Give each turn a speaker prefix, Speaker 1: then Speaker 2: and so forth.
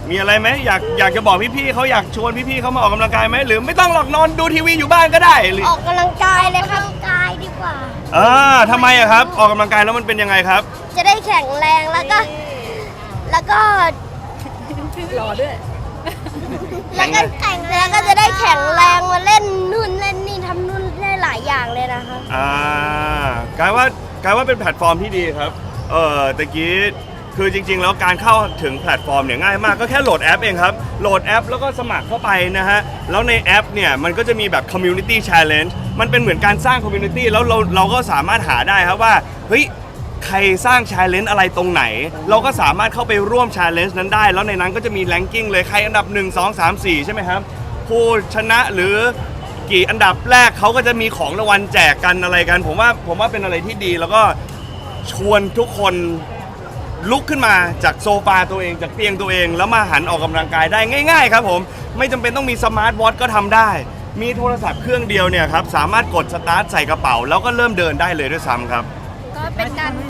Speaker 1: มีอะไรไหมอยากจะบอกพี่ๆเขาอยากชวนพี่ๆเขามาออกกำลังกายไหมหรือไม่ต้องหรอกนอนดูทีวีอยู่บ้านก็ได้หรือ
Speaker 2: ออกกำลังกายเลยครับออกกำลังกายดีกว่า
Speaker 1: ทำไมอะครับออกกำลังกายแล้วมันเป็นยังไงครับ
Speaker 2: จะได้แข็งแรงแล้วก็
Speaker 3: รอด้วย
Speaker 2: แล้วก็จะได้แข็งแรงมาเล่นนู่นเล่นนี่ทำนู่นได้หลายอย่างเลยนะครับ
Speaker 1: กลายว่าเป็นแพลตฟอร์มที่ดีครับตะกี้คือจริงๆแล้วการเข้าถึงแพลตฟอร์มเนี่ยง่ายมากก็แค่โหลดแอปเองครับโหลดแอปแล้วก็สมัครเข้าไปนะฮะแล้วในแอปเนี่ยมันก็จะมีแบบ Community Challenge มันเป็นเหมือนการสร้าง Community แล้วเราก็สามารถหาได้ครับว่าเฮ้ยใครสร้าง Challenge อะไรตรงไหนเราก็สามารถเข้าไปร่วม Challenge นั้นได้แล้วในนั้นก็จะมี Ranking เลยใครอันดับ1 2 3 4ใช่ไหมครับผู้ชนะหรือกี่อันดับแรกเขาก็จะมีของรางวัลแจกกันอะไรกันผมว่าเป็นอะไรที่ดีแล้วก็ชวนทุกคนลุกขึ้นมาจากโซฟาตัวเองจากเตียงตัวเองแล้วมาหันออกกำลังกายได้ง่ายๆครับผมไม่จำเป็นต้องมีสมาร์ทวอทก็ทำได้มีโทรศัพท์เครื่องเดียวเนี่ยครับสามารถกดสตาร์ทใส่กระเป๋าแล้วก็เริ่มเดินได้เลยด้วยซ้ำครับ
Speaker 3: ก็เป็นการ